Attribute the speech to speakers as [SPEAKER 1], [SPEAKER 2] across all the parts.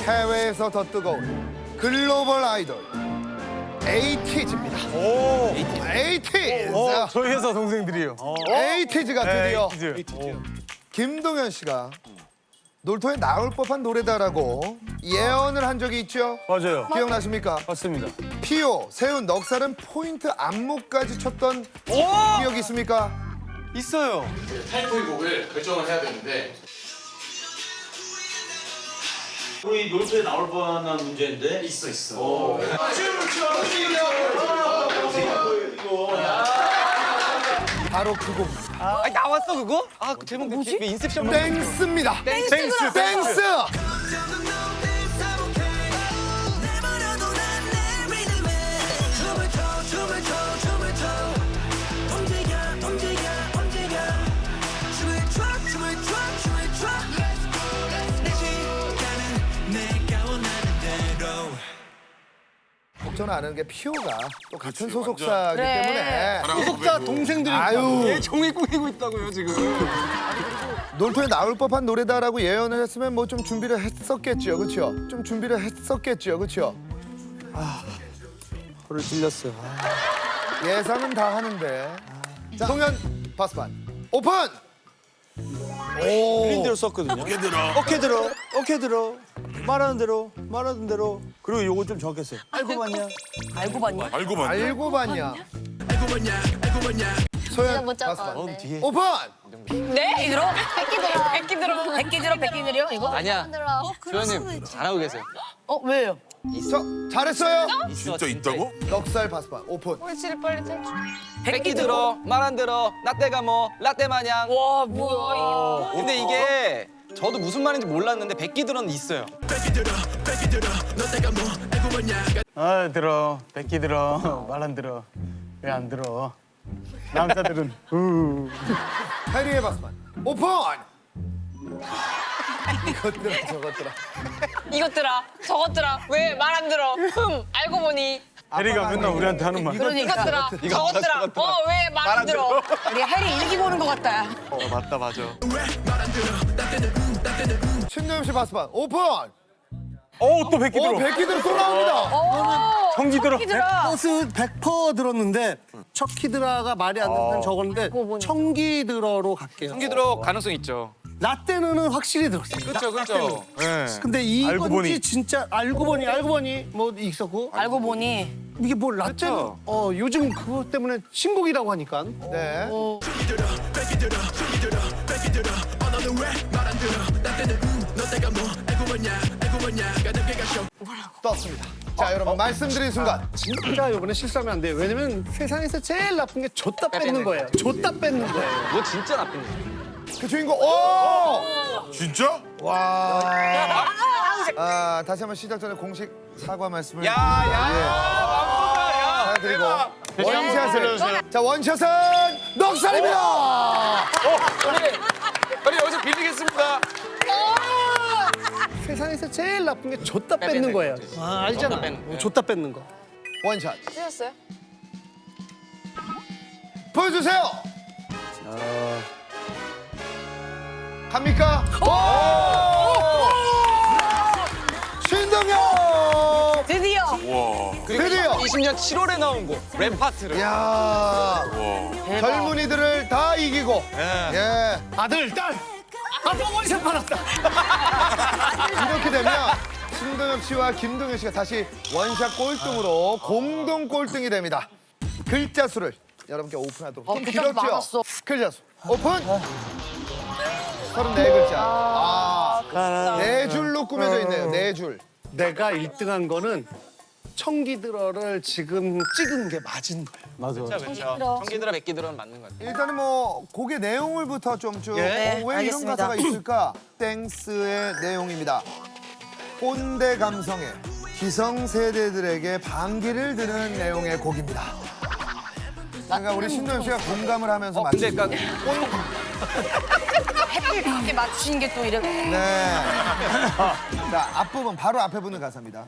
[SPEAKER 1] 해외에서 더 뜨거운 글로벌 아이돌 에이티즈입니다. 에이티즈.
[SPEAKER 2] 저희 회사 동생들이요.
[SPEAKER 1] 에이티즈가 드디어
[SPEAKER 2] 에이티즈.
[SPEAKER 1] 김동현 씨가 놀토에 나올 법한 노래다라고 예언을 한 적이 있죠?
[SPEAKER 2] 맞아요.
[SPEAKER 1] 기억나십니까?
[SPEAKER 2] 맞습니다.
[SPEAKER 1] 피오, 세훈, 넉살은 포인트 안무까지 쳤던 기억이 있습니까?
[SPEAKER 2] 있어요.
[SPEAKER 3] 타이틀곡을 결정을 해야 되는데
[SPEAKER 4] 우리 놀토에 나올 뻔한 문제인데
[SPEAKER 3] 있어.
[SPEAKER 1] 바로 그 곡.
[SPEAKER 2] 아 나왔어 그거? 아 그 제목 뭐지? 인셉션.
[SPEAKER 1] 땡스입니다.
[SPEAKER 2] 땡스.
[SPEAKER 1] 땡스. 걱정 안 하는 게 피오가 또 같은 소속사이기 때문에
[SPEAKER 2] 소속사 동생들이
[SPEAKER 1] 아유
[SPEAKER 2] 종이 꾸미고 있다고요 지금.
[SPEAKER 1] 놀토에 나올 법한 노래다라고 예언을 했으면 뭐 좀 준비를 했었겠죠, 그렇죠? 좀 준비를 했었겠죠, 그렇죠?
[SPEAKER 2] 허를 찔렸어.
[SPEAKER 1] 예상은 다 하는데. 자, 동현 바스반 오픈.
[SPEAKER 4] 틀린 대로 썼거든요. 어깨 들어. 어깨 들어. 말하는 대로. 그리고 요거 좀 정확했어요. 알고 봤냐?
[SPEAKER 5] 알고 봤니?
[SPEAKER 1] 알고 봤냐? 소연
[SPEAKER 5] 못
[SPEAKER 1] 바스반
[SPEAKER 5] 잡았네.
[SPEAKER 1] 오픈.
[SPEAKER 5] 네? 백기 들어. 백기 느려 이거?
[SPEAKER 6] 아니야. 조현님 잘하고 계세요.
[SPEAKER 5] 왜요?
[SPEAKER 1] 저 잘했어요.
[SPEAKER 6] 진짜 있다고?
[SPEAKER 1] 넉살 바스반 오픈.
[SPEAKER 6] 백기 들어, 말 안 들어, 라떼가 뭐 라떼 마냥.
[SPEAKER 5] 와 뭐야
[SPEAKER 6] 근데 이게 저도 무슨 말인지 몰랐는데 백기 들어는 있어요.
[SPEAKER 2] 아 들어. 백기 들어. 말 안 들어. 왜 안 들어? 남자들은
[SPEAKER 1] 해리의 바스반 오픈. 이것들아 저것들아.
[SPEAKER 7] 이것들아 저것들아 왜 말 안 들어 알고 보니
[SPEAKER 2] 해리가 맨날 우리한테 하는 말.
[SPEAKER 7] 이것들아 저것들아 왜 말 안 들어
[SPEAKER 5] 우리 해리 일기 보는 것 같다.
[SPEAKER 2] 맞다 맞아.
[SPEAKER 1] 신동엽 씨 바스반 오픈.
[SPEAKER 2] 또 백기 들어.
[SPEAKER 1] 백기들 또 나옵니다.
[SPEAKER 2] 청기 들어.
[SPEAKER 8] 버스 100% 들었는데 척키드라가 말이 안 되는 저건데 청기드러로 갈게요.
[SPEAKER 6] 청기 들어 가능성 있죠.
[SPEAKER 8] 라떼는 확실히 들었어요.
[SPEAKER 6] 그렇죠.
[SPEAKER 2] 네.
[SPEAKER 8] 근데
[SPEAKER 2] 알고
[SPEAKER 8] 이건지
[SPEAKER 2] 보니.
[SPEAKER 8] 진짜 알고 보니 뭐 있었고
[SPEAKER 5] 알고 보니
[SPEAKER 8] 이게 뭐 라떼는 요즘 그것 때문에 신곡이라고 하니까
[SPEAKER 1] 네. 떴습니다. 자 여러분 말씀드린 순간
[SPEAKER 8] 진짜 이번에 실수하면 안 돼요. 왜냐면 세상에서 제일 나쁜 게 줬다 뺏는 거예요. 줬다 뺏는 거예요.
[SPEAKER 6] 뭐 진짜 나쁜 일.
[SPEAKER 1] 그 주인공 오!
[SPEAKER 3] 진짜?
[SPEAKER 1] 와. 다시 한번 시작 전에 공식 사과 말씀을 드리고 원샷을 자 원샷은 넉살입니다.
[SPEAKER 6] 우리 여기서 빌리겠습니다.
[SPEAKER 8] 세상에서 제일 나쁜 게 줬다 뺏는 거예요. 알잖아. 줬다 뺏는 거.
[SPEAKER 1] 원샷
[SPEAKER 7] 쓰셨어요?
[SPEAKER 1] 보여주세요. 갑니까? 오! 신동엽
[SPEAKER 5] 드디어
[SPEAKER 1] 드디어
[SPEAKER 6] 20년 7월에 나온 곡 랩 파트를.
[SPEAKER 1] 야 젊은이들을 다 이기고 예
[SPEAKER 8] 아들, 딸. 아빠 원샷 받았다.
[SPEAKER 1] 이렇게 되면 신동엽 씨와 김동현 씨가 다시 원샷 꼴등으로 공동 꼴등이 됩니다. 글자 수를 여러분께 오픈하도록 좀
[SPEAKER 5] 글자가
[SPEAKER 1] 길었죠?
[SPEAKER 5] 많았어.
[SPEAKER 1] 글자 수 오픈 34글자 네 줄로 꾸며져 있네요. 네 줄.
[SPEAKER 8] 내가 1등한 거는 청기드러를 지금 찍은 게 맞은 거예요.
[SPEAKER 2] 맞아.
[SPEAKER 6] 그렇죠. 청기 들어 백기 들어는 맞는 것 같아요.
[SPEAKER 1] 일단은 뭐 곡의 내용을부터 좀 쭉
[SPEAKER 5] 네,
[SPEAKER 1] 왜 이런
[SPEAKER 5] 알겠습니다.
[SPEAKER 1] 가사가 있을까? 땡스의 내용입니다. 꼰대 감성에 기성세대들에게 반기를 드는 내용의 곡입니다. 그러니까 우리 신동엽 씨가 공감을 하면서
[SPEAKER 6] 근데
[SPEAKER 1] 맞추
[SPEAKER 6] 약간
[SPEAKER 5] 햇빛 밖에 맞추신 게 또 이렇게.
[SPEAKER 1] 네. 자, 앞부분 바로 앞에 붙는 가사입니다.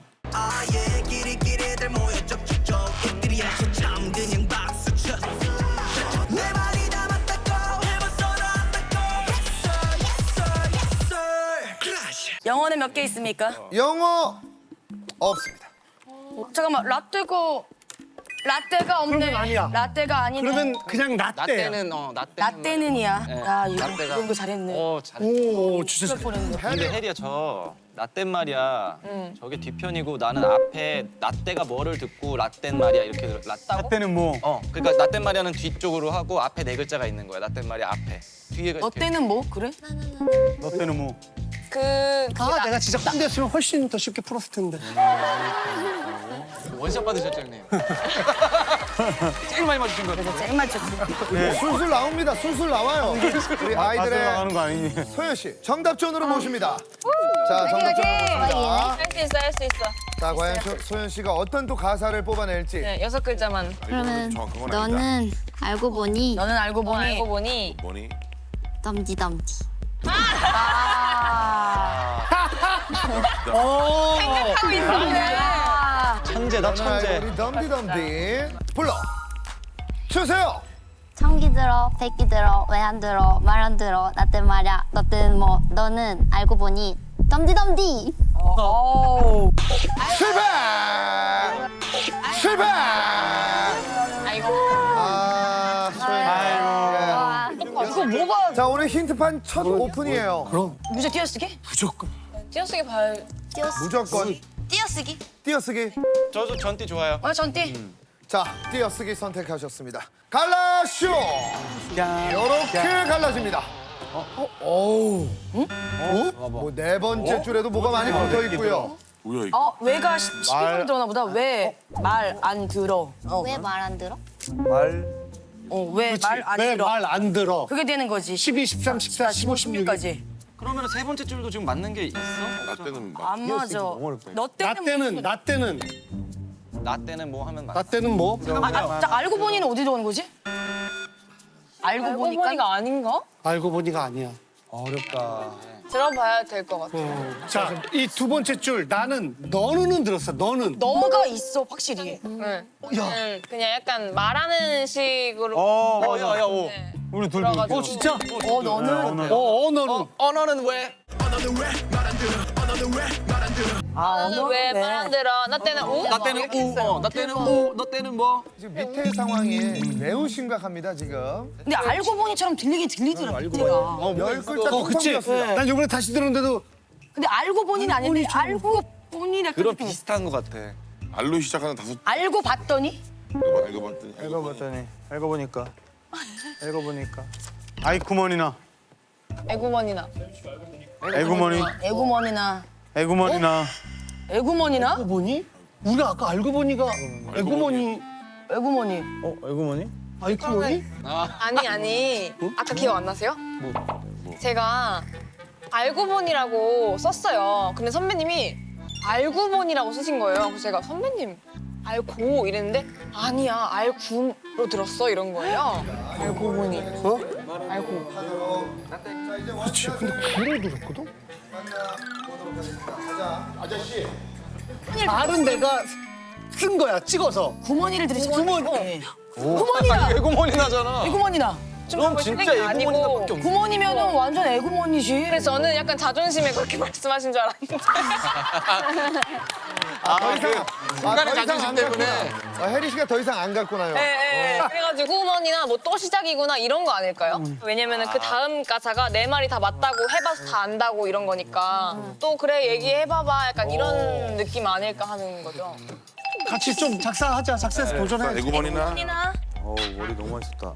[SPEAKER 5] 영어는 몇 개 있습니까?
[SPEAKER 1] 영어 없습니다.
[SPEAKER 5] 잠깐만 라떼가 없네.
[SPEAKER 8] 그러면 아니야.
[SPEAKER 5] 라떼가 아니네.
[SPEAKER 8] 그러면 그냥 라떼야.
[SPEAKER 6] 라떼는
[SPEAKER 5] 라떼는이야.
[SPEAKER 6] 네.
[SPEAKER 5] 야 이거
[SPEAKER 6] 라떼가.
[SPEAKER 5] 이런 거 잘했네.
[SPEAKER 6] 잘했어.
[SPEAKER 8] 오, 진짜.
[SPEAKER 6] 근데 혜리야 저 라떼 말이야. 저게 뒤편이고 나는 앞에 라떼가 뭐를 듣고 라떼 말이야 이렇게 라따고?
[SPEAKER 2] 라떼는 뭐?
[SPEAKER 6] 그러니까 라떼 말이야는 뒤쪽으로 하고 앞에 네 글자가 있는 거야. 라떼 말이야 앞에. 뒤에가
[SPEAKER 5] 너 때는 뭐 그래?
[SPEAKER 2] 너 때는 뭐?
[SPEAKER 8] 아, 내가 진짜 꼰대였으면 훨씬 더 쉽게 풀었을 텐데.
[SPEAKER 6] 원샷 받으셨죠 형님? 제일 많이 맞으신 거 같아요.
[SPEAKER 5] 제일 맞췄어.
[SPEAKER 1] 술술 나옵니다. 술술 나와요. 우리 아이들의
[SPEAKER 2] 나가는 거 아니니?
[SPEAKER 1] 소연 씨 정답존으로 모십니다. 자, 정답존으로 모십니다.
[SPEAKER 7] 할 수 있어 할 수 있어.
[SPEAKER 1] 자, 과연 소연 씨가 어떤 또 가사를 뽑아낼지.
[SPEAKER 7] 네, 6글자만.
[SPEAKER 9] 그러면
[SPEAKER 3] 정확한 건
[SPEAKER 9] 너는 알고 보니
[SPEAKER 5] 너는 알고 보니.
[SPEAKER 7] 알고 보니
[SPEAKER 3] 뭐니?
[SPEAKER 9] 덤디덤디.
[SPEAKER 7] 하고 있었네.
[SPEAKER 6] 천재다
[SPEAKER 1] 저는 알고
[SPEAKER 6] 천재.
[SPEAKER 1] 우리 덤디덤디 불러 주세요.
[SPEAKER 9] 청기 들어, 백기 들어, 왜 안 들어, 말 안 들어, 나 때 말야, 너 때는 뭐, 너는 알고 보니 덤디덤디.
[SPEAKER 1] 실패! 실패!
[SPEAKER 7] 아이고.
[SPEAKER 1] 아, 소연.
[SPEAKER 5] 이거 뭐가
[SPEAKER 1] 자, 오늘 힌트판 첫 오픈이에요.
[SPEAKER 8] 그럼
[SPEAKER 5] 무제 띄어쓰기?
[SPEAKER 8] 무조건.
[SPEAKER 7] 띄어쓰기 봐요.
[SPEAKER 1] 무조건
[SPEAKER 5] 띄어쓰기?
[SPEAKER 1] 띄어쓰기.
[SPEAKER 6] 저도 전띠 좋아요.
[SPEAKER 5] 전띠.
[SPEAKER 1] 자, 띄어쓰기 선택하셨습니다. 갈라쇼! 이렇게 갈라집니다. 어우. 뭐 네 번째 줄에도 뭐가 많이 붙어 있고요.
[SPEAKER 3] 뭐야 이거?
[SPEAKER 5] 왜가 12번 들어나 보다. 왜 말 안 들어?
[SPEAKER 9] 왜 말 안 들어?
[SPEAKER 5] 왜 말 안
[SPEAKER 8] 왜
[SPEAKER 5] 들어?
[SPEAKER 8] 말 안 들어?
[SPEAKER 5] 그게 되는 거지.
[SPEAKER 8] 12, 13, 14, 15, 16.
[SPEAKER 5] 16까지.
[SPEAKER 6] 그러면 세 번째 줄도 지금 맞는 게 있어?
[SPEAKER 3] 라떼는 막
[SPEAKER 5] 안 맞아. 너 때는
[SPEAKER 8] 나 때는
[SPEAKER 6] 나 때는 뭐 하면 맞.
[SPEAKER 8] 나 때는 뭐?
[SPEAKER 5] 자, 알고 보니는 어디 들어오는 거지? 알고
[SPEAKER 7] 알고
[SPEAKER 5] 보니까
[SPEAKER 7] 보니가 아닌가?
[SPEAKER 8] 알고 보니가 아니야.
[SPEAKER 6] 어렵다.
[SPEAKER 7] 들어봐야 될 것 같아.
[SPEAKER 8] 자, 이 두 번째 줄 나는 너는 들었어. 너는.
[SPEAKER 5] 너가 있어 확실히.
[SPEAKER 7] 응. 그냥 약간 말하는 식으로.
[SPEAKER 6] 야야 오.
[SPEAKER 7] 네.
[SPEAKER 2] 우리 둘.
[SPEAKER 7] 들어가지고.
[SPEAKER 8] 진짜?
[SPEAKER 5] 너는
[SPEAKER 8] 너는.
[SPEAKER 6] 언어는 왜?
[SPEAKER 7] 나는 왜 말 안 들어? 나 때는 우?
[SPEAKER 6] 나 때는 우. 나 때는 우. 너 때는 뭐?
[SPEAKER 1] 지금 밑에 상황이 매우 심각합니다, 지금.
[SPEAKER 5] 근데 알고 보니처럼 들리긴 들리더라. 밑에가.
[SPEAKER 1] 열 글자
[SPEAKER 8] 그치?
[SPEAKER 1] 뚜껑이었습니다.
[SPEAKER 8] 난 이번에 다시 들었는데도
[SPEAKER 5] 근데 알고 보니는 아닌데 알고 보니라.
[SPEAKER 6] 그런 비슷한 것 같아.
[SPEAKER 3] 알로 시작하는 다섯
[SPEAKER 5] 알고 봤더니
[SPEAKER 3] 읽어봤더니
[SPEAKER 2] 읽어봤더니 읽어보니까 읽어보니까 아이쿠머니나
[SPEAKER 7] 애구머니나.
[SPEAKER 2] 애구머니
[SPEAKER 5] 애구머니나.
[SPEAKER 2] 애구머니나
[SPEAKER 5] 애구머니나?
[SPEAKER 8] 알고 보니? 우리가 아까 알고 보니가 애구머니
[SPEAKER 5] 애구머니.
[SPEAKER 2] 애구머니?
[SPEAKER 8] 아이쿠머니?
[SPEAKER 7] 아니. 아까 기억 안 나세요? 제가 알고 보니라고 썼어요. 근데 선배님이 알고 보니라고 쓰신 거예요. 그래서 제가 선배님 알고 이랬는데 아니야 알구로 들었어 이런 거예요. 알고 보니. 알고.
[SPEAKER 8] 그렇지. 근데 구를 들었거든? 말은 내가 쓴 거야, 찍어서.
[SPEAKER 5] 구머니를 들으시.
[SPEAKER 8] 구머니.
[SPEAKER 5] 구머니나.
[SPEAKER 6] 애구머니 나잖아.
[SPEAKER 5] 애구머니나.
[SPEAKER 6] 그럼 진짜 애구머니나밖에 없네.
[SPEAKER 5] 구머니면은 완전 애구머니지.
[SPEAKER 7] 그래서 저는 약간 자존심에 그렇게 말씀하신 줄 알았는데.
[SPEAKER 1] 순간의 자존심 때문에. 혜리 씨가 더 이상 안 갔구나요.
[SPEAKER 7] 네. 그래가지고 후원이나 뭐 또 시작이구나 이런 거 아닐까요? 왜냐면은 그 다음 가사가 내 말이 다 맞다고 해봐서 다 안다고 이런 거니까 또 그래 얘기해봐봐 약간 이런 느낌 아닐까 하는 거죠.
[SPEAKER 8] 같이 좀 작사하자. 작사해서 도전해.
[SPEAKER 3] 애구머니나.
[SPEAKER 2] 머리 너무 많이 썼다.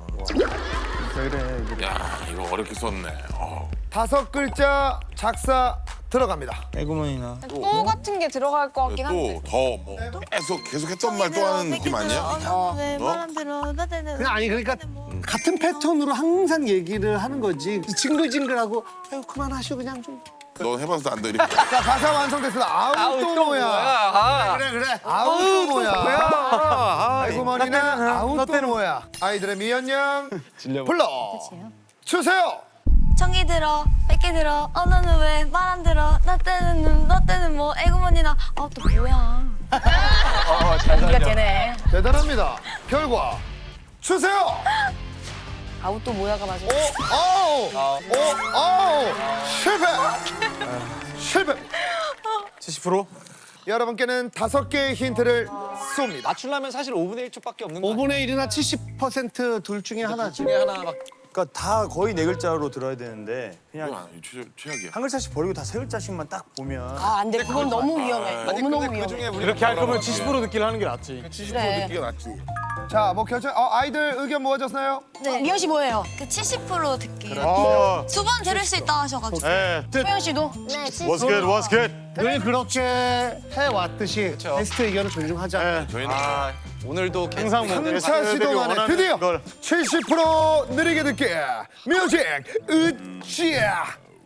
[SPEAKER 3] 야 이거 어렵게 썼네.
[SPEAKER 1] 다섯 글자 작사 들어갑니다.
[SPEAKER 2] 애구머니나
[SPEAKER 7] 또 같은 게 들어갈 것 같긴 한데.
[SPEAKER 3] 또더뭐 계속 했던 말 또 하는 느낌 아니야?
[SPEAKER 8] 그냥 아니 그러니까 같은 패턴으로 항상 얘기를 하는 거지. 징글징글하고 아유 그만하시오 그냥 좀.
[SPEAKER 3] 너 해봐서 안 돼. 이렇게.
[SPEAKER 1] 자, 가사 완성됐습니다. 아우 또 뭐야?
[SPEAKER 8] 그래.
[SPEAKER 1] 아우 또 뭐야? 애구머니나 아우 또 뭐야? 아이들의 미연양 불러 주세요.
[SPEAKER 9] 청기 들어, 백기 들어, 너는 왜 말 안 들어, 나 때는 너 때는 뭐, 애구머니나. 또 뭐야?
[SPEAKER 5] 연기가 되네.
[SPEAKER 1] 대단합니다. 결과 주세요.
[SPEAKER 5] 아우 또 뭐야가 맞아.
[SPEAKER 1] 실패. 실패.
[SPEAKER 4] 70%?
[SPEAKER 1] 여러분께는 5개의 힌트를 쏩니다.
[SPEAKER 6] 맞추려면 사실 5분의 1초밖에 없는 거 아니야?
[SPEAKER 8] 5분의 1이나 70%둘 중에 하나지.
[SPEAKER 6] 중에 하나 막
[SPEAKER 4] 그러니까 다 거의 네 글자로 들어야 되는데
[SPEAKER 3] 이건
[SPEAKER 4] 그냥
[SPEAKER 3] 아니, 최악이야.
[SPEAKER 4] 한 글자씩 버리고 다 세 글자씩만 딱 보면
[SPEAKER 5] 아, 안 돼. 그건 너무 위험해. 너무너무 위험해.
[SPEAKER 2] 이렇게 할 거면 70% 듣기를 하는 게 낫지.
[SPEAKER 5] 그래.
[SPEAKER 3] 이게 낫지.
[SPEAKER 1] 자, 뭐 결정. 아이들 의견 모아졌나요?
[SPEAKER 5] 미연 씨 뭐예요?
[SPEAKER 9] 그 70% 듣기.
[SPEAKER 2] 어.
[SPEAKER 9] 두 번 들을 수 있다 하셔가지고.
[SPEAKER 2] 예.
[SPEAKER 5] 소연 씨도?
[SPEAKER 9] 네,
[SPEAKER 2] What's good? What's good?
[SPEAKER 8] 늘 그렇게 해왔듯이 게스트 의견을 존중하자.
[SPEAKER 3] 저희는
[SPEAKER 6] 오늘도
[SPEAKER 2] 항상 뭐
[SPEAKER 1] 3차 시도 만에 드디어
[SPEAKER 2] 걸.
[SPEAKER 1] 70% 느리게 듣기 뮤직 으쌰.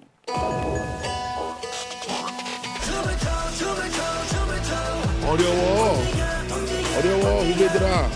[SPEAKER 3] 어려워 후배들아.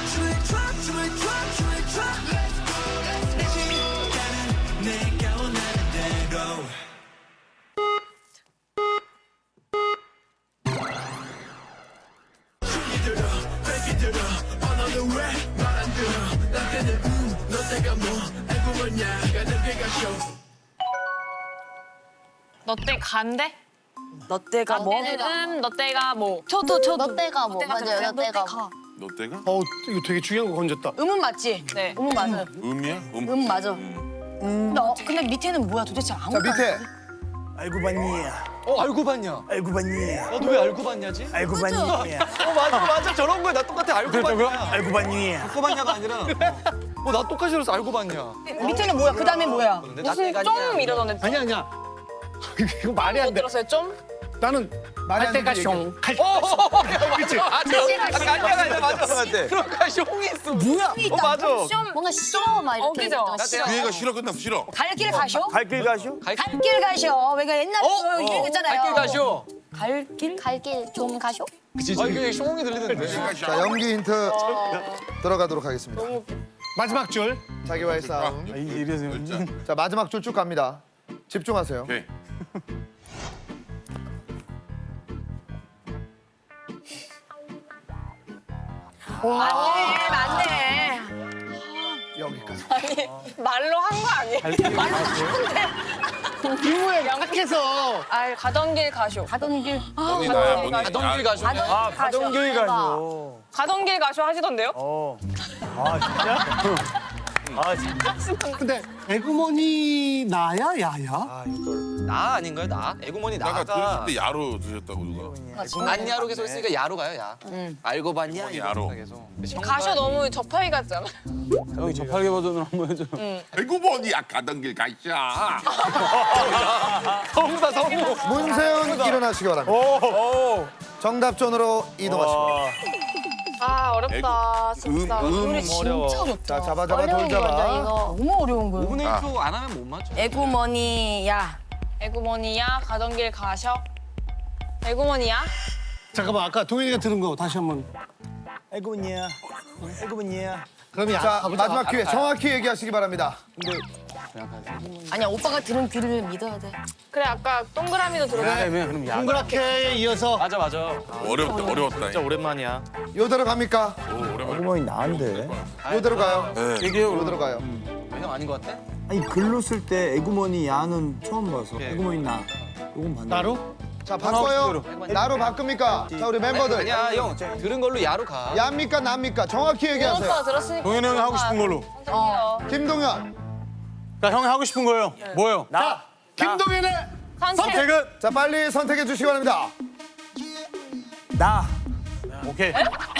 [SPEAKER 7] 너 때 간대?
[SPEAKER 5] 너 때가 뭐?
[SPEAKER 7] 너 때가 뭐?
[SPEAKER 5] 저도.
[SPEAKER 9] 너 때가 뭐? 맞아요, 너 때가.
[SPEAKER 3] 너 때가?
[SPEAKER 8] 이거 되게 중요한 거 건졌다.
[SPEAKER 5] 음은 맞지?
[SPEAKER 7] 네.
[SPEAKER 5] 음은 맞아요.
[SPEAKER 3] 음이야?
[SPEAKER 5] 음 맞아. 근데 밑에는 뭐야 도대체
[SPEAKER 1] 자,
[SPEAKER 5] 아무것도 안
[SPEAKER 1] 밑에
[SPEAKER 5] 돼.
[SPEAKER 4] 알고 봤니야
[SPEAKER 6] 알고 봤냐?
[SPEAKER 4] 알고 봤니야
[SPEAKER 6] 너도 왜 알고 봤냐지?
[SPEAKER 4] 알고 봤니야
[SPEAKER 6] 맞아 저런 거야 나 똑같아 알고 봤냐?
[SPEAKER 4] 알고 봤니야
[SPEAKER 6] 알고 봤냐가 아니라 나 똑같이 들었어 알고 봤냐?
[SPEAKER 5] 밑에는 뭐야? 그 다음에 뭐야?
[SPEAKER 6] 근데 나
[SPEAKER 7] 무슨
[SPEAKER 6] 때가
[SPEAKER 7] 좀 이러던데.
[SPEAKER 8] 아니야. 이거 말이 안
[SPEAKER 7] 못
[SPEAKER 8] 돼.
[SPEAKER 7] 들었어요 좀?
[SPEAKER 8] 나는
[SPEAKER 1] 말이 안
[SPEAKER 8] 때가
[SPEAKER 1] 되는
[SPEAKER 8] 숑.
[SPEAKER 1] 얘기.
[SPEAKER 6] 맞아 맞아 그러니까 숑이 있어
[SPEAKER 8] 뭐야?
[SPEAKER 6] 맞아
[SPEAKER 9] 뭔가 싫어 막 이렇게.
[SPEAKER 7] 어기죠?
[SPEAKER 3] 그 얘가 싫어 끝났어 싫어.
[SPEAKER 5] 갈 길 가쇼?
[SPEAKER 4] 갈 길 가시오?
[SPEAKER 5] 갈 길 가쇼. 왜가 옛날에 이런 거 있잖아요.
[SPEAKER 6] 갈길 가쇼
[SPEAKER 5] 갈 길?
[SPEAKER 9] 갈길 좀 가쇼?
[SPEAKER 6] 이게 숑이 들리던데
[SPEAKER 1] 자, 연기 힌트 들어가도록 하겠습니다.
[SPEAKER 8] 마지막 줄.
[SPEAKER 1] 자기와의 싸움.
[SPEAKER 2] 이래서
[SPEAKER 1] 자, 마지막 줄 쭉 갑니다. 집중하세요.
[SPEAKER 3] 오케이.
[SPEAKER 5] 맞네.
[SPEAKER 1] 여기까지.
[SPEAKER 7] 말로 한 거 아니에요?
[SPEAKER 8] 이후에 양각해서.
[SPEAKER 7] 아 가던 길 가쇼.
[SPEAKER 5] 가던 길.
[SPEAKER 3] 너니 나야 너니.
[SPEAKER 6] 가던 길 가쇼
[SPEAKER 4] 가던 길 가시오
[SPEAKER 7] 가던 길 가쇼 하시던데요?
[SPEAKER 4] 아 진짜?
[SPEAKER 8] 근데 에그머니 나야 야야?
[SPEAKER 6] 나 아닌가요 나? 애구머니
[SPEAKER 3] 나가
[SPEAKER 6] 나가
[SPEAKER 3] 들으실 때 야로 들으셨다고 누가.
[SPEAKER 6] 안야로 계속 쓰니까 야로 가요 야 알고 봤냐?
[SPEAKER 3] 야로.
[SPEAKER 6] 계속
[SPEAKER 7] 가쇼 너무 저파이 같잖아.
[SPEAKER 2] 형이 저팔계 버전으로 한번 해줘.
[SPEAKER 3] 아이고 뭐야 가던 길 가자.
[SPEAKER 6] 성우다 성우
[SPEAKER 1] 문세윤 일어나시기 바랍니다. 정답존으로 이동하시고.
[SPEAKER 7] 아 어렵다 진짜.
[SPEAKER 5] 노래 진짜 어렵다.
[SPEAKER 1] 자, 잡아 돌
[SPEAKER 5] 어려운 거죠,
[SPEAKER 1] 잡아.
[SPEAKER 5] 이거. 너무 어려운 거예요.
[SPEAKER 6] 5분의 1초 안 하면 못 맞춰
[SPEAKER 5] 에구머니야.
[SPEAKER 7] 애구머니야 가던 길 가셔. 애구머니야?
[SPEAKER 8] 잠깐만 아까 동현이가 들은 거 다시 한번.
[SPEAKER 4] 알고 봤니야 알고 봤니야
[SPEAKER 8] 그러면
[SPEAKER 1] 자, 마지막 기회 정확히 얘기하시기 바랍니다.
[SPEAKER 5] 아니야 오빠가 들은 귀를 믿어야 돼.
[SPEAKER 7] 그래 아까 동그라미도 들어가.
[SPEAKER 2] 그럼 야.
[SPEAKER 8] 동그랗게 이어서.
[SPEAKER 6] 맞아
[SPEAKER 3] 어렵다.
[SPEAKER 6] 진짜 오랜만이야
[SPEAKER 1] 요대로 갑니까?
[SPEAKER 4] 알고 봤니 나한테
[SPEAKER 1] 요대로 가요.
[SPEAKER 2] 얘기해요.
[SPEAKER 1] 요대로 가요.
[SPEAKER 6] 형 아닌 것 같아?
[SPEAKER 4] 아니 글로 쓸 때 에구머니 야는 처음 봐서
[SPEAKER 6] 오케이.
[SPEAKER 4] 에구머니 나 요건 봤는데
[SPEAKER 8] 나로?
[SPEAKER 1] 자, 바꿔요. 나로 바꿉니까? 자, 우리 멤버들.
[SPEAKER 6] 아니야 형 들은 걸로 야로 가
[SPEAKER 1] 야입니까? 납니까? 정확히
[SPEAKER 7] 오빠
[SPEAKER 1] 얘기하세요.
[SPEAKER 7] 들었으니까.
[SPEAKER 2] 동현이 형이 하고 싶은 걸로.
[SPEAKER 1] 김동현.
[SPEAKER 2] 그러니까 형이 하고 싶은 거예요. 뭐요?
[SPEAKER 8] 자, 김동현의
[SPEAKER 2] 선택은
[SPEAKER 1] 자, 빨리 선택해 주시기 바랍니다.
[SPEAKER 4] 나
[SPEAKER 2] 오케이.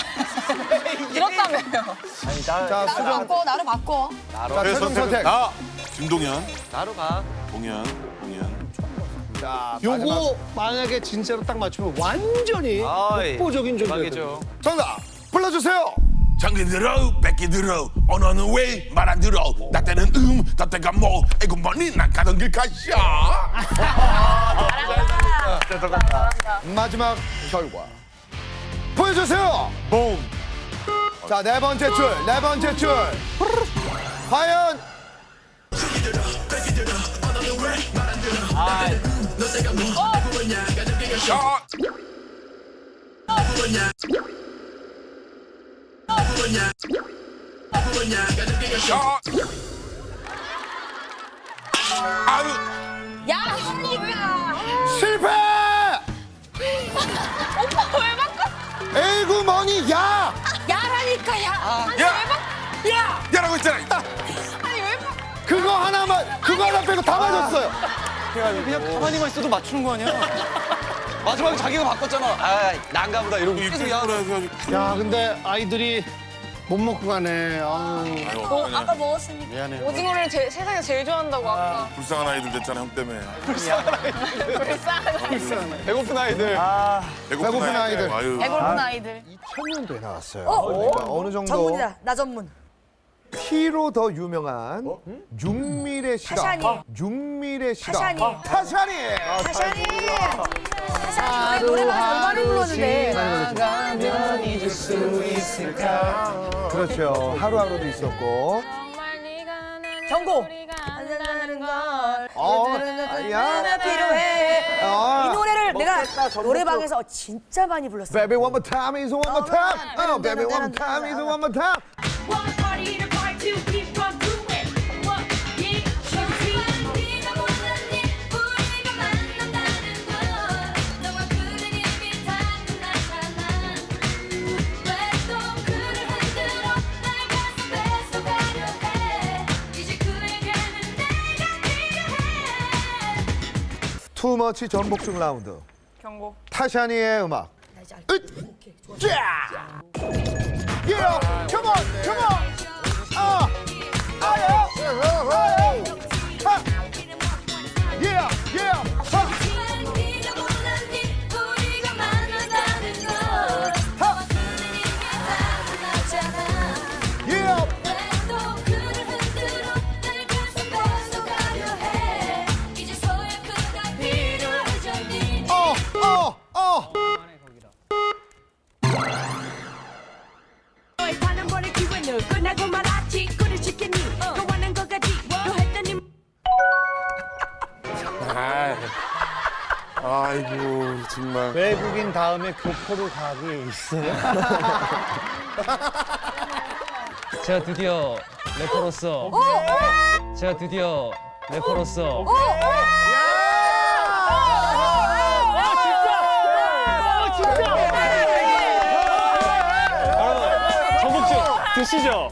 [SPEAKER 7] 들었다며요.
[SPEAKER 1] 자, 수정.
[SPEAKER 5] 바꿔 나로 바꿔.
[SPEAKER 1] 자, 최종 선택.
[SPEAKER 2] 나.
[SPEAKER 3] 김동현,
[SPEAKER 6] 나로 가
[SPEAKER 3] 동현.
[SPEAKER 1] 자, 마지막
[SPEAKER 8] 요거 만약에 진짜로 딱 맞추면 완전히
[SPEAKER 6] 아이,
[SPEAKER 8] 독보적인 존재죠.
[SPEAKER 6] 대박이죠
[SPEAKER 1] 정답 불러주세요.
[SPEAKER 3] 장기 들어, 뺏기 들어, 언어는 왜 말 안 들어? 나 때는 나 때가 뭐? 아이고 뭐니 난 가던 길 가자.
[SPEAKER 1] 마지막 결과 보여주세요.
[SPEAKER 2] 봄.
[SPEAKER 1] 자, 네 번째 줄. 과연
[SPEAKER 3] 샷. 샷. 아유.
[SPEAKER 5] 야,
[SPEAKER 1] 실패!
[SPEAKER 7] 오빠 왜 바꿨어?
[SPEAKER 1] 에이구 머니 야!
[SPEAKER 7] 야라니까 야. 아니
[SPEAKER 3] 야!
[SPEAKER 7] 왜 바? 야.
[SPEAKER 3] 야라고 했잖아.
[SPEAKER 7] 아니 왜 바?
[SPEAKER 1] 그거 하나 빼고 다 맞았어요.
[SPEAKER 6] 그냥 가만히만 있어도 맞추는 거 아니야? 마지막에 자기가 바꿨잖아. 아, 난가 보다 이러고 계속 야.
[SPEAKER 8] 야 근데 아이들이 못 먹고 가네. 아유.
[SPEAKER 7] 아까 먹었으니까.
[SPEAKER 8] 미안해.
[SPEAKER 7] 오징어를 세상에 제일 좋아한다고 아까.
[SPEAKER 3] 불쌍한 아이들 됐잖아 형 때문에.
[SPEAKER 7] 불쌍하다.
[SPEAKER 6] 배고픈 아이들.
[SPEAKER 1] 배고픈 아이들.
[SPEAKER 3] 아유.
[SPEAKER 5] 배고픈 아이들.
[SPEAKER 8] 2000년도에 나왔어요.
[SPEAKER 1] 그러니까 어느 정도
[SPEAKER 5] 전문이다. 나 전문.
[SPEAKER 1] 피로 더 유명한 윤미래 씨가
[SPEAKER 5] 타샤니.
[SPEAKER 1] 윤미래 씨가
[SPEAKER 5] 타샤니.
[SPEAKER 1] 타샤니.
[SPEAKER 5] 타샤니. 타샤니 노래방 얼마나 불렀는데.
[SPEAKER 1] 그렇죠. 하루하루도 있었고.
[SPEAKER 7] 정말 네가 난
[SPEAKER 5] 경고.
[SPEAKER 7] 한다는 걸.
[SPEAKER 1] 야.
[SPEAKER 5] 필요해.
[SPEAKER 1] 아.
[SPEAKER 5] 이 노래를 내가 노래방에서 진짜 많이 불렀어.
[SPEAKER 1] Baby one more time is one more time. Baby one more time is one more time.
[SPEAKER 10] One party to party to keep on doing what you choose. 네가 몰랐니 우리가 만난다는 걸. 너와 그는 이미 다 끝났잖아. 왜 또 그를 흔들어 날 가슴 뺏어가려 해. 이제 그에게는 내가 필요해.
[SPEAKER 1] 투머치 전복중 라운드.
[SPEAKER 7] 경고.
[SPEAKER 1] 타샤니의 음악. 으짜! Yeah, come on, come on. Yeah, yeah, yeah.
[SPEAKER 10] 네가 몰랐니 우리가 만난다는 걸. 너와 그는 이미 다 끝났잖아.
[SPEAKER 1] Yeah.
[SPEAKER 10] 왜 또 그를 흔들어 날 가슴 뺏어가려 해. 이제서야 그가 필요해졌니. 너의 단 한 번의 기회는 끝나고 말았지. 꿀을 시켰니 너와는 거까지 너 했더니.
[SPEAKER 3] 아이고 정말.
[SPEAKER 8] 외국인 다음에 교포로 가기 있어요.
[SPEAKER 11] 제가 드디어 래퍼로서 제가 드디어 래퍼로서
[SPEAKER 2] 전복죽 드시죠.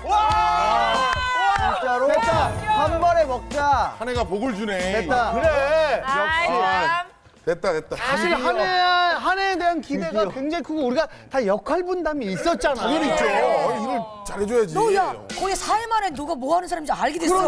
[SPEAKER 1] 진짜로? 됐다. 한 번에 먹자.
[SPEAKER 3] 한 해가 복을 주네.
[SPEAKER 1] 됐다. 그래.
[SPEAKER 3] 됐다 됐다.
[SPEAKER 8] 사실 한 해에 대한 기대가 굉장히 크고 우리가 다 역할 분담이 있었잖아.
[SPEAKER 3] 당연히 있죠. 일을 잘해줘야지.
[SPEAKER 5] 너야 거의 4일 만에 누가 뭐 하는 사람인지 알게 됐어.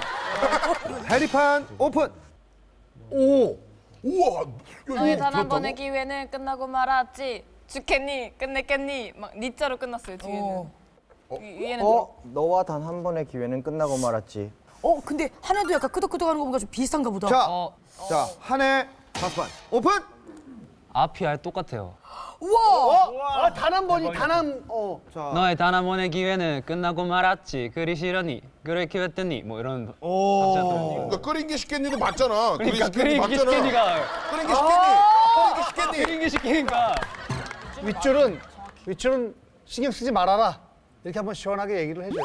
[SPEAKER 1] 해리판 오픈. 오.
[SPEAKER 3] 우와.
[SPEAKER 7] 너의 단 한 번의 기회는 끝나고 말았지. 죽겠니? 끝냈겠니? 막 니자로 끝났어요 뒤에는. 위에는 들어.
[SPEAKER 6] 너와 단 한 번의 기회는 끝나고 말았지.
[SPEAKER 5] 근데 하나도 약간 끄덕끄덕하는 거 보니까 좀 비슷한가 보다.
[SPEAKER 1] 자, 한 해 다섯판 오픈.
[SPEAKER 11] 앞이 아예 똑같아요.
[SPEAKER 5] 우와.
[SPEAKER 8] 단 한 번이
[SPEAKER 11] 너의 단 한 번의 기회는 끝나고 말았지. 그리 싫으니 그래 기회했더니 뭐 이런
[SPEAKER 3] 그러니까 끓인 게 쉽겠니도 맞잖아.
[SPEAKER 11] 그러니까
[SPEAKER 3] 끓인 게
[SPEAKER 11] 끓인 게
[SPEAKER 3] 맞잖아.
[SPEAKER 11] 시키니까
[SPEAKER 3] 끓인 게 쉽겠니?
[SPEAKER 11] 끓인 게 시키니까
[SPEAKER 8] 윗줄은 신경 쓰지 말아라. 이렇게 한번 시원하게 얘기를 해줘요.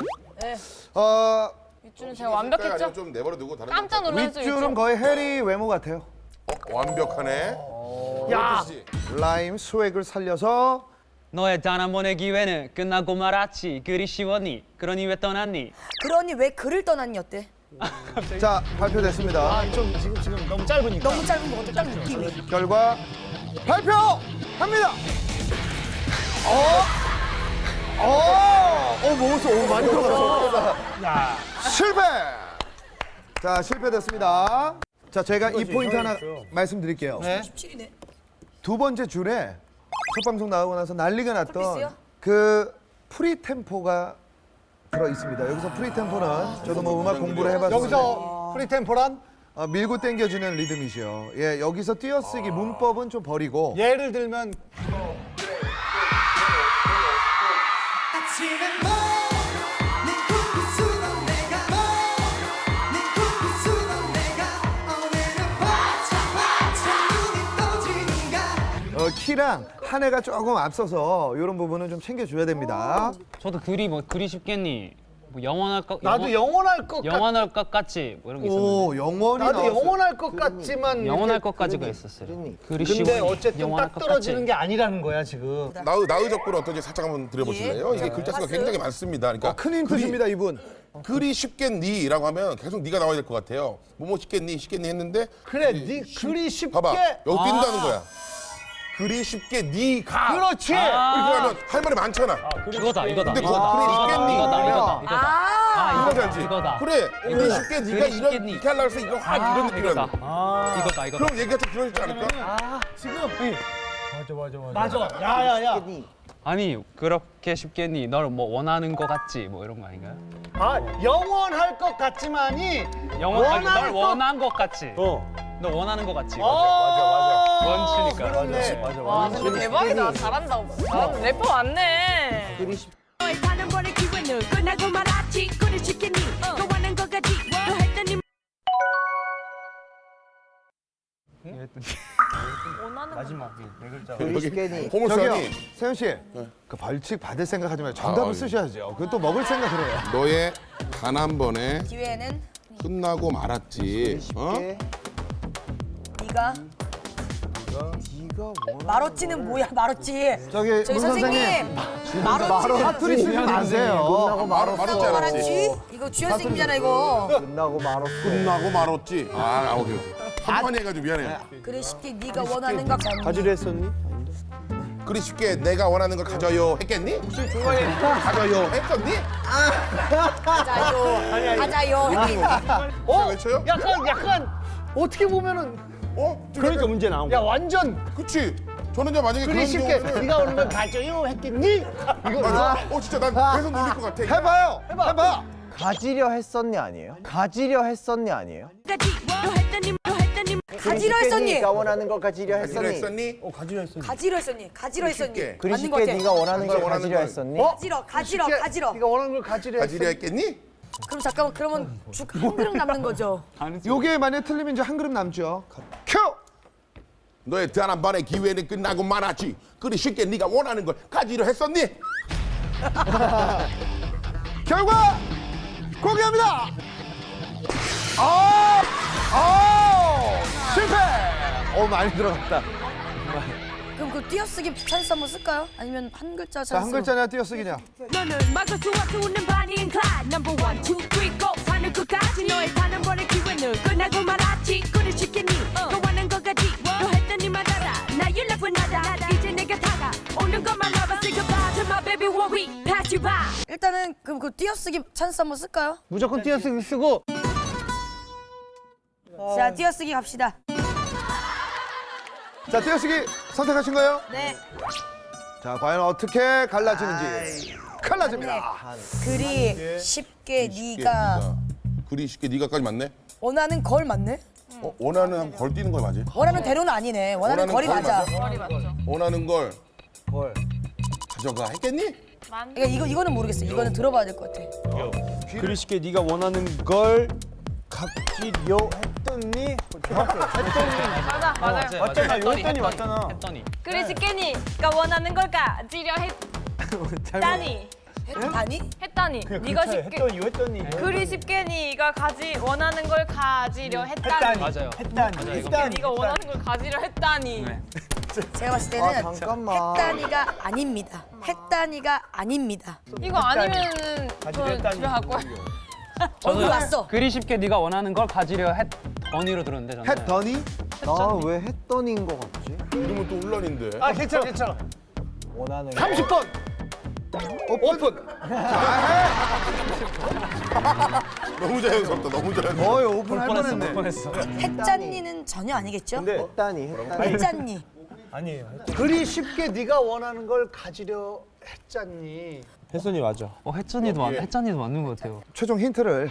[SPEAKER 7] 윗줄은 제가 완벽했죠?
[SPEAKER 3] 좀 내버려 두고 다른
[SPEAKER 7] 깜짝 놀랐어요.
[SPEAKER 1] 윗줄은 거의 해리 외모 같아요.
[SPEAKER 3] 완벽하네.
[SPEAKER 8] 야,
[SPEAKER 1] 라임 스웩을 살려서
[SPEAKER 11] 너의 단 한 번의 기회는 끝나고 말았지. 그리 쉬웠니? 그러니 왜 떠났니?
[SPEAKER 5] 그러니 왜 글을 떠났니 어때?
[SPEAKER 1] 자 발표됐습니다.
[SPEAKER 8] 좀 지금 너무 짧으니까.
[SPEAKER 5] 너무 짧은 거 같아. 딱 느낌이.
[SPEAKER 1] 결과 발표합니다. 먹었어. 많이 들어갔어.
[SPEAKER 8] 야,
[SPEAKER 1] 실패. 자 실패됐습니다. 자 제가 이 포인트 하나 말씀드릴게요.
[SPEAKER 8] 네.
[SPEAKER 5] 17이네.
[SPEAKER 1] 두 번째 줄에 첫 방송 나오고 나서 난리가 났던
[SPEAKER 5] 쿨피스요?
[SPEAKER 1] 그 프리템포가 들어 있습니다. 여기서 프리템포는 저도 뭐 음악 공부를 해봤는데
[SPEAKER 8] 여기서 프리템포란
[SPEAKER 1] 밀고 당겨주는 리듬이죠. 예, 여기서 띄어쓰기 문법은 좀 버리고
[SPEAKER 8] 예를 들면
[SPEAKER 1] 키랑 한 해가 조금 앞서서 이런 부분은 좀 챙겨줘야 됩니다.
[SPEAKER 11] 저도 그리 뭐 그리 쉽겠니? 뭐 영원할 것
[SPEAKER 8] 나도 영원할 것 같.
[SPEAKER 11] 영원할 것 같지 뭐 이런 게 있었는데.
[SPEAKER 1] 오, 영원히
[SPEAKER 8] 나도
[SPEAKER 1] 나왔어요.
[SPEAKER 8] 영원할 것 같지만.
[SPEAKER 11] 영원할
[SPEAKER 8] 이렇게
[SPEAKER 11] 것까지가
[SPEAKER 8] 그러니.
[SPEAKER 11] 있었어요.
[SPEAKER 8] 근데
[SPEAKER 11] 그리시오니
[SPEAKER 8] 어쨌든
[SPEAKER 11] 영원할
[SPEAKER 8] 딱
[SPEAKER 11] 것
[SPEAKER 8] 떨어지는
[SPEAKER 11] 같지.
[SPEAKER 8] 게 아니라는 거야 지금.
[SPEAKER 3] 나의 적분 어떤지 살짝 한번 들어보실래요? 이게 글자 수가 굉장히 많습니다. 그러니까
[SPEAKER 1] 큰 힌트 줍니다, 이분.
[SPEAKER 3] 그리 쉽겠니라고 하면 계속 네가 나와야 될 것 같아요. 뭐뭐 쉽겠니 했는데
[SPEAKER 8] 그래, 네 글이 쉽게.
[SPEAKER 3] 봐봐 여기 뛴다는 거야. 그리 쉽게 네가
[SPEAKER 8] 그렇지.
[SPEAKER 3] 이렇게 하면 할 말이 많잖아.
[SPEAKER 11] 이거다 이거다.
[SPEAKER 3] 근데 그거 그리 쉽겠니
[SPEAKER 11] 이거다.
[SPEAKER 3] 이거 알지?
[SPEAKER 11] 이거다.
[SPEAKER 3] 그래 그리 쉽게 네가
[SPEAKER 11] 그리 쉽겠니?
[SPEAKER 3] 이렇게 하려고 해서 이거 확 이런 느낌이라는 거야.
[SPEAKER 11] 이거다.
[SPEAKER 3] 그럼 얘기가 좀 길어지지 않을까?
[SPEAKER 8] 맞아. 야야야.
[SPEAKER 11] 아니 그렇게 쉽겠니? 널 뭐 원하는 것 같지 뭐 이런 거 아닌가요?
[SPEAKER 8] 아 영원할 것 같지만이.
[SPEAKER 11] 아니,
[SPEAKER 8] 원할
[SPEAKER 11] 널
[SPEAKER 8] 것-
[SPEAKER 11] 원한 것 같지.
[SPEAKER 8] 어.
[SPEAKER 11] 너 원하는 것 같지.
[SPEAKER 8] 맞아.
[SPEAKER 11] 원치니까.
[SPEAKER 8] 그렇네.
[SPEAKER 7] 와 근데 대박이다. 잘한다. 래퍼 맞네.
[SPEAKER 10] 너의 다른 번의 기회는 끝나고 말았지 그리 쉽겠니 원하는 것까지 또 했더니
[SPEAKER 3] 여기 호물선이
[SPEAKER 1] 저기요, 세현 씨. 그 벌칙 받을 생각하지 말고 정답을 쓰셔야죠. 그건 또 먹을 생각을 해요.
[SPEAKER 3] 너의 단 한 번에
[SPEAKER 5] 기회는
[SPEAKER 3] 끝나고 말았지. 어?
[SPEAKER 5] 네가 마로찌는 뭐야 마로찌.
[SPEAKER 1] 저기
[SPEAKER 5] 저기
[SPEAKER 1] 문
[SPEAKER 5] 선생님 마로찌
[SPEAKER 1] 사투리 쓰지 마세요.
[SPEAKER 3] 말았지 않았지.
[SPEAKER 5] 이거 주연 선생님이잖아 이거.
[SPEAKER 3] 끝나고 말았지. 아 오케이. 한번 해가지고 미안해.
[SPEAKER 5] 그래 쉽게 네가 원하는 거
[SPEAKER 4] 가지려 했었니?
[SPEAKER 3] 그리 쉽게 내가 원하는 걸 가져요 했겠니? 혹시 중간에 가져요 했었니?
[SPEAKER 5] 가자요.
[SPEAKER 3] 어? 외쳐요?
[SPEAKER 8] 약간 어떻게 보면은.
[SPEAKER 3] 어? 좀
[SPEAKER 4] 그러니까
[SPEAKER 3] 약간-
[SPEAKER 4] 문제 나온
[SPEAKER 8] 야
[SPEAKER 4] 거야.
[SPEAKER 8] 완전
[SPEAKER 3] 그치. 저는 이제 만약에
[SPEAKER 8] 그리
[SPEAKER 3] 그런
[SPEAKER 8] 쉽게
[SPEAKER 3] 경우는
[SPEAKER 8] 네가 오는 걸 가져요 했겠니? 이거
[SPEAKER 3] 맞아. 진짜 난 계속 놀릴 것 같아.
[SPEAKER 1] 해봐요. 해봐.
[SPEAKER 12] 가지려 했었니 아니에요? 가지려 했었니 아니에요?
[SPEAKER 10] 까지 또 했더니
[SPEAKER 5] 가지려 했었니?
[SPEAKER 12] 네가 원하는 걸 가지려
[SPEAKER 3] 가지려
[SPEAKER 12] 했었니?
[SPEAKER 3] 했었니?
[SPEAKER 5] 가지려 했었니? 가지려 했었니?
[SPEAKER 3] 쉽게.
[SPEAKER 12] 그리
[SPEAKER 5] 맞는 거
[SPEAKER 12] 쉽게
[SPEAKER 5] 같아.
[SPEAKER 12] 네가 원하는 걸
[SPEAKER 3] 원하는
[SPEAKER 12] 가지려
[SPEAKER 3] 걸.
[SPEAKER 12] 했었니?
[SPEAKER 5] 가지러.
[SPEAKER 8] 네가 원하는 걸 가지려
[SPEAKER 3] 가지려 했겠니?
[SPEAKER 5] 그럼 잠깐만 그러면 죽 한 그릇 남는 거죠?
[SPEAKER 1] 요게 만약 틀리면 이제 한 그릇 남죠. 큐.
[SPEAKER 3] 너의 단 한 번의 기회는 끝나고 말았지. 그리 쉽게 네가 원하는 걸 가지려 했었니?
[SPEAKER 1] 결과 공개합니다. 실패. 많이 들어갔다.
[SPEAKER 5] 그럼 그 띄어쓰기 찬스 한번 쓸까요? 아니면 한 글자 찬스?
[SPEAKER 1] 자, 한 글자냐 띄어쓰기냐.
[SPEAKER 10] 너는 막을 수 없는 반인 클라 넘버 1, 2, 3, go 사는 끝까지 너의 단 한 번의 기회는 끝나고 말았지 그리 쉽겠니 원하는 것까지 또 했더니 말아라 Now you left with nada 이제 내가 다가 오는 것만 알아 Say goodbye to my baby when we pass you by
[SPEAKER 5] 일단은 그럼 그 띄어쓰기 찬스 한번 쓸까요?
[SPEAKER 8] 무조건 띄어쓰기 쓰고.
[SPEAKER 5] 자 띄어쓰기 갑시다.
[SPEAKER 1] 자, 띄어쓰기 선택하신 거예요?
[SPEAKER 5] 네.
[SPEAKER 1] 자, 과연 어떻게 갈라지는지. 갈라집니다.
[SPEAKER 5] 그리 쉽게 네가
[SPEAKER 3] 그리 쉽게 네가까지 맞네?
[SPEAKER 5] 원하는 걸 맞네?
[SPEAKER 3] 원하는 한 걸 뛰는 걸 맞아?
[SPEAKER 5] 원하는 대로는 아니네. 원하는 거리
[SPEAKER 3] 걸
[SPEAKER 5] 맞아.
[SPEAKER 3] 원하는 걸 가져가 했겠니?
[SPEAKER 5] 그러니까 이거는 모르겠어. 이거는 들어봐야 될 것 같아.
[SPEAKER 4] 그리 쉽게 네가 원하는 걸 가지려 했더니.
[SPEAKER 7] 맞아 맞아요.
[SPEAKER 4] 맞잖아. 요 했더니 맞잖아.
[SPEAKER 11] 했더니.
[SPEAKER 7] 그리 쉽겠니가 원하는 걸 가지려 했다니.
[SPEAKER 5] 아니?
[SPEAKER 7] 했다니. 네가 쉽게
[SPEAKER 4] 했더니 요 했더니.
[SPEAKER 7] 그리 쉽게니가 원하는 걸 가지려 했다니.
[SPEAKER 11] 맞아요.
[SPEAKER 4] 했다니.
[SPEAKER 7] 네가 원하는 걸 가지려 했다니.
[SPEAKER 5] 제가 봤을 때는
[SPEAKER 12] 잠깐만.
[SPEAKER 5] 했다니가 아닙니다. 했다니가 아닙니다.
[SPEAKER 7] 이거 아니면은 저
[SPEAKER 4] 했다니.
[SPEAKER 7] 집에 갈 거예요.
[SPEAKER 5] 저는 왔어.
[SPEAKER 11] 그리 쉽게 네가 원하는 걸 가지려 했더니로 들었는데 저는.
[SPEAKER 1] 했더니
[SPEAKER 12] 나 왜 했더니인 거 같지?
[SPEAKER 3] 이러면 또 혼란인데.
[SPEAKER 8] 아 괜찮아.
[SPEAKER 12] 원하는
[SPEAKER 8] 30번.
[SPEAKER 1] 오픈.
[SPEAKER 3] 너무 자연스럽다. 너무 자연스럽다.
[SPEAKER 1] 거의 오픈할 뻔했네.
[SPEAKER 5] 했잖니는 전혀 아니겠죠?
[SPEAKER 12] 했다니.
[SPEAKER 5] 했잖니.
[SPEAKER 4] 아니에요.
[SPEAKER 8] 그리 쉽게 네가 원하는 걸 가지려 했잖니.
[SPEAKER 4] 했더니 맞아.
[SPEAKER 11] 했잖니도 맞는 것 같아요.
[SPEAKER 1] 최종 힌트를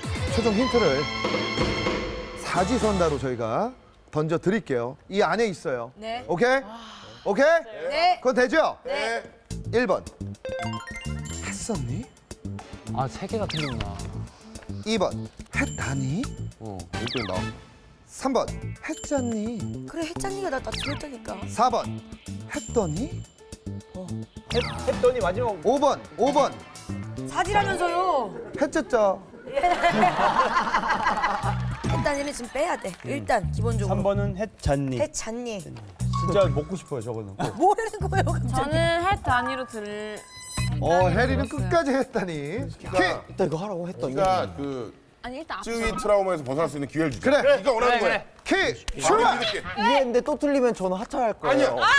[SPEAKER 1] 사지선다로 저희가 던져 드릴게요. 이 안에 있어요.
[SPEAKER 5] 네.
[SPEAKER 1] 오케이? 오케이?
[SPEAKER 5] 네.
[SPEAKER 1] 그건 되죠?
[SPEAKER 5] 네.
[SPEAKER 1] 1번. 했었니?
[SPEAKER 11] 아, 세 개가 틀리구나.
[SPEAKER 1] 2번. 했다니?
[SPEAKER 3] 이렇게 나와.
[SPEAKER 1] 3번. 했잖니?
[SPEAKER 5] 그래 했잖니가 나 들었다니까.
[SPEAKER 1] 4번. 했더니?
[SPEAKER 4] 했더니 마지막
[SPEAKER 1] 5번.
[SPEAKER 5] 사지라면서요.
[SPEAKER 1] 했었죠.
[SPEAKER 5] 했다니는 지금 빼야 돼. 일단 기본적으로.
[SPEAKER 4] 3번은 했잖니.
[SPEAKER 5] 했잖니.
[SPEAKER 4] 진짜 먹고 싶어요 저거는. 꼭.
[SPEAKER 5] 뭐라는 거예요 갑자기?
[SPEAKER 7] 저는 해 단위로 들.
[SPEAKER 1] 해리는 끝까지 했다니.
[SPEAKER 12] 일단 이거 하라고 했더니.
[SPEAKER 3] 네가 그
[SPEAKER 7] 아니 일단
[SPEAKER 3] 쯔위 트라우마에서 벗어날 수 있는 기회를 주자.
[SPEAKER 1] 그래.
[SPEAKER 3] 네가 원하는 거야.
[SPEAKER 1] 키
[SPEAKER 3] 출발.
[SPEAKER 1] 출발.
[SPEAKER 3] 이렇게.
[SPEAKER 12] 이해했는데 또 틀리면 저는 하차할 거예요.
[SPEAKER 3] 아니야.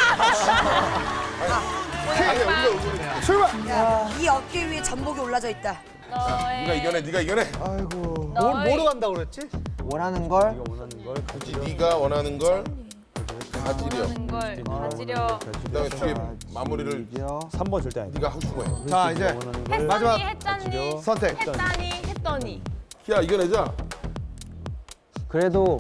[SPEAKER 3] 아니야. 우리가
[SPEAKER 1] 출발.
[SPEAKER 5] 이 어깨 위에 잠복이 올라져 있다.
[SPEAKER 3] 네가 이겨내. 네가 이겨내.
[SPEAKER 1] 아이고.
[SPEAKER 8] 뭐로 간다고 그랬지?
[SPEAKER 12] 원하는 걸
[SPEAKER 3] 네가 원하는 걸 가지려.
[SPEAKER 7] 걸 가지려.
[SPEAKER 3] 그다음에 뒤에 마무리를
[SPEAKER 4] 3번 절대 아니다.
[SPEAKER 3] 네가 하고 싶은 거야.
[SPEAKER 1] 자 이제 마지막
[SPEAKER 7] 했잖니.
[SPEAKER 1] 선택.
[SPEAKER 7] 했다니. 했더니.
[SPEAKER 3] 야 이겨내자.
[SPEAKER 12] 그래도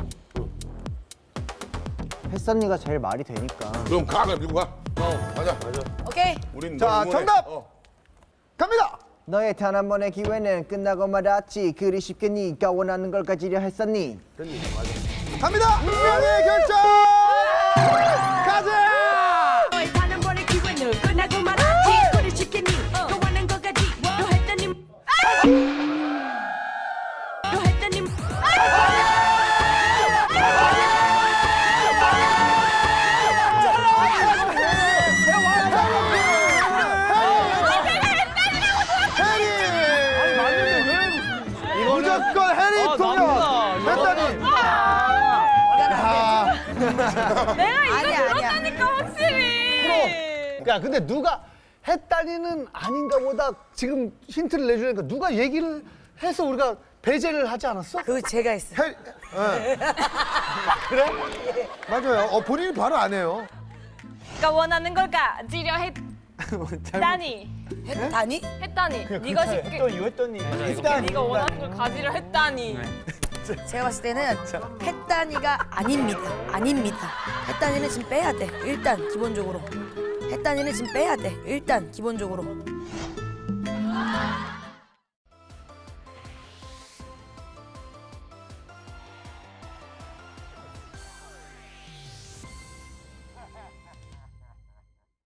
[SPEAKER 12] 햇선이가 제일 말이 되니까.
[SPEAKER 3] 그럼 가. 그럼 밀고 가. 가자.
[SPEAKER 5] 오케이.
[SPEAKER 3] 우린
[SPEAKER 1] 자,
[SPEAKER 3] 널 응원해.
[SPEAKER 1] 정답! 갑니다.
[SPEAKER 12] 너의 단 한 번의 기회는 끝나고 말았지. 그리 쉽게 네가 원하는 걸 가지려 했었니?
[SPEAKER 1] 갑니다. 운명의 결정. 가자.
[SPEAKER 10] 너의 단 한 번의 기회는 끝나고 말았지. 그리 쉽게 네가 원하는 것까지 너 했더니 너 했더니
[SPEAKER 1] 무조건 해리 통역. 했다니.
[SPEAKER 5] 아니야 아니야.
[SPEAKER 7] 그러니까 확실히.
[SPEAKER 8] 야 근데 누가 했다니는 아닌가 보다 지금 힌트를 내주니까 누가 얘기를 해서 우리가 배제를 하지 않았어?
[SPEAKER 5] 그 제가 했어요.
[SPEAKER 1] 해리. 그래? 맞아요. 본인이 바로 안 해요.
[SPEAKER 7] 그러니까 원하는 걸 가지려 했다니.
[SPEAKER 5] 했다니?
[SPEAKER 7] 했다니. 네가 쉽게.
[SPEAKER 4] 했더니.
[SPEAKER 7] 네가 원하는 걸 가지려 했다니.
[SPEAKER 5] 제가 봤을 때는 했다니가 아닙니다. 아닙니다. 했다니는 지금 빼야 돼. 일단 기본적으로. 했다니는 지금 빼야 돼. 일단 기본적으로.